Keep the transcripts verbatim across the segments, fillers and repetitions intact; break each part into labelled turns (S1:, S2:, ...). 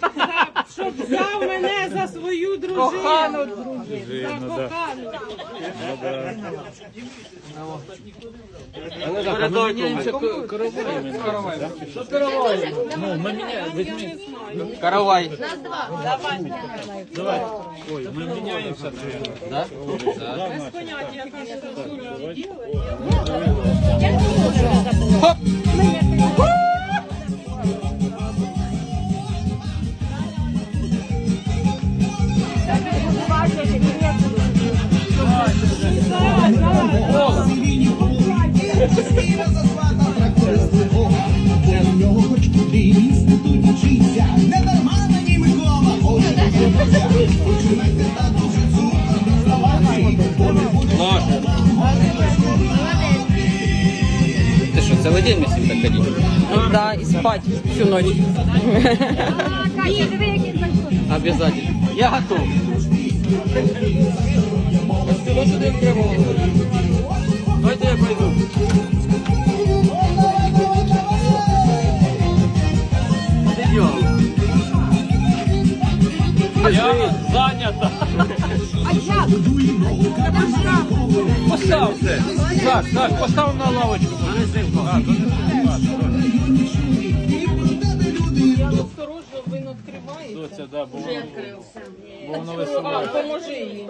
S1: Щоб взяв мене за свою дружину.
S2: Кохану дружину.
S1: За кохану.
S2: Передавняємося каравай. Що каравай? Ну, ми міняємо, візьми. Каравай.
S3: Давай. Ой, ми міняємося, наверное.
S2: Да?
S1: Без поняття, яка ж Сашуля робила.
S2: Хоп! Ты что, целый день вместе так ходить?
S4: Да, и спать всю ночь.
S2: Обязательно. Я готов. Давайте я пойду.
S3: Я зайнята.
S2: Поставте.
S3: Так, так, постав на лавочку.
S1: Осторожно, він відкриває.
S3: Доця, да, бо воно, бо воно
S1: А,
S3: висуває.
S1: поможи їй.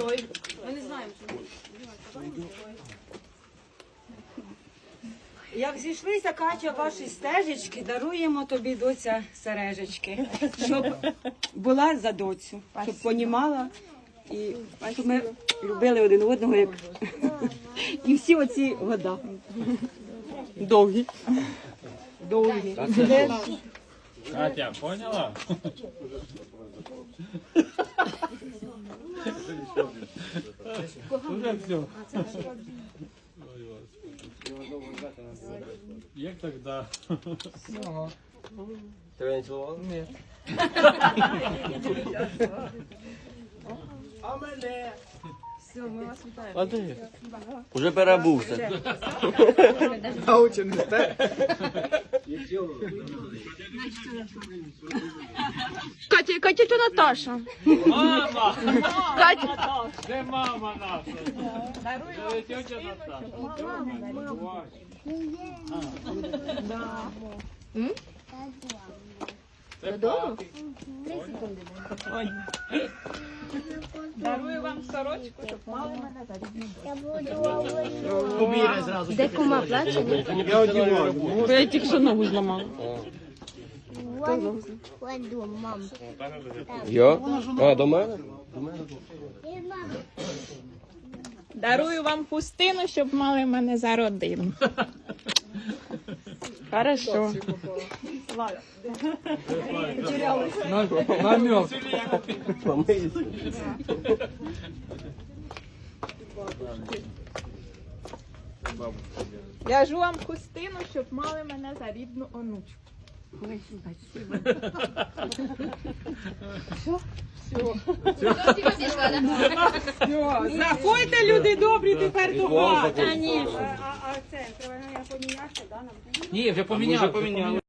S5: Як зійшлися, Катя, ваші стежечки, даруємо тобі, доця, сережечки, щоб була за доцю, щоб понімала і щоб ми любили один одного, як і всі оці года.
S4: Довгий.
S5: Довгі.
S3: Катя, поняла? Уже все. Як так, да?
S2: Тебе не цілували? Ні. А де? Уже перебувся.
S4: Катя, Катя, это Наташа.
S3: Мама!
S4: Катя.
S3: Де мама наша? Це тетя Наташа. Це папі.
S1: Дарую вам сорочку, щоб мали мене за
S6: Де кума плаче?
S2: Я одягаю.
S4: Бо я тільки що ногу зламала.
S6: Кладу, мам.
S2: Я? А, до мене?
S1: Дарую вам хустину, щоб мали мене за родину.
S4: Хорошо.
S2: Намек. Помийся.
S1: В'яжу вам хустину, щоб мали мене за рідну онучку. Заходьте, люди добрі, тепер до хати.
S5: А це, треба я поміняти, да?
S3: Ні, вже поміняли.